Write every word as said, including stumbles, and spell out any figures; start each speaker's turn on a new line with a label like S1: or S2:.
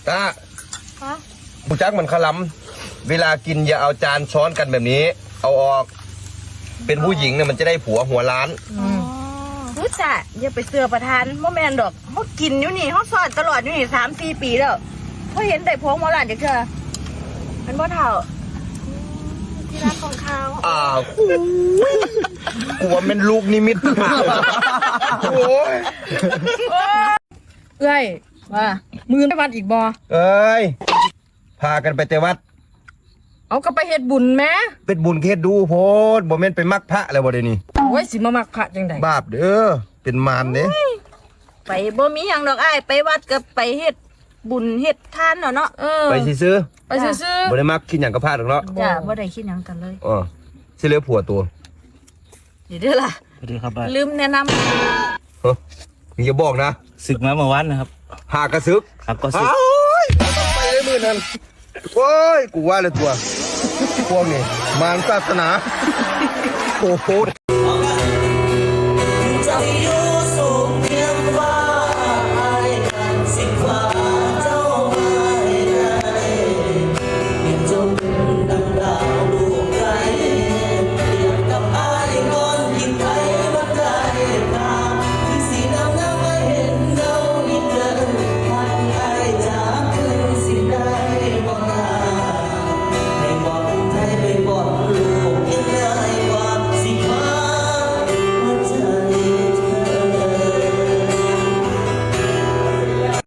S1: ตาบุจักมันขลำเวลากินอย่าเอาจานช้อนกันแบบนี้ เอาออกเป็นผู้หญิงเนี่ยมันจะได้ผัวหัวล้าน
S2: รู้จักอย่าไปเสือประทานโมแมนดอกเขากินอยู่นี่เขาสอนตลอดอยู่นี่สามสี่ปีแล้วเขาเห็นได้พวงมาหลานเด็กเธอเป็นบ่เท่าที่รักของเขา
S1: อ้าวกลัวเป็นลูกนิมิตโอ้ย
S3: เอ้ยว่ามือไปวัดอีกบ่
S1: เอ้ยพากันไปแต่วัด
S3: เอาก็ไปเฮ็ดบุญแม่
S1: เป็นบุญเฮ็ดดูโพดบ่แม่นไปมักพระแล้วบ่เดี๋ยวนี้
S3: โอ้ยสิมามักพระจังได๋
S1: บาปเด้อเป็นมารเด้
S2: ไปบ่มีหยังดอกอ้ายไปวัดก็ไปเฮ็ดบุญเฮ็ดทานเนาะเนาะเออ
S1: ไปซื้อ
S3: ไปซื้อ
S1: บ่ได้มักคิดหยังกับพระดอกเนาะ
S2: จ้ะบ่ได้คิดหยังกันเลย
S1: อ๋อสิเหลือผัวตัว
S2: เดี๋ยวเด้อล่ะ
S4: สวัสดีครับ
S2: ลืมแนะนำ
S1: เฮ้ยอย่าบอกนะ
S4: ศึกมาเมื่อวานนะครับ
S1: หากระซึก
S4: ครับก็ศึก
S1: ต้องไปเลยมื้อนั้นโอ้ยกูว่าเลยตัวพวกนี้มารศาสนาโอ้โห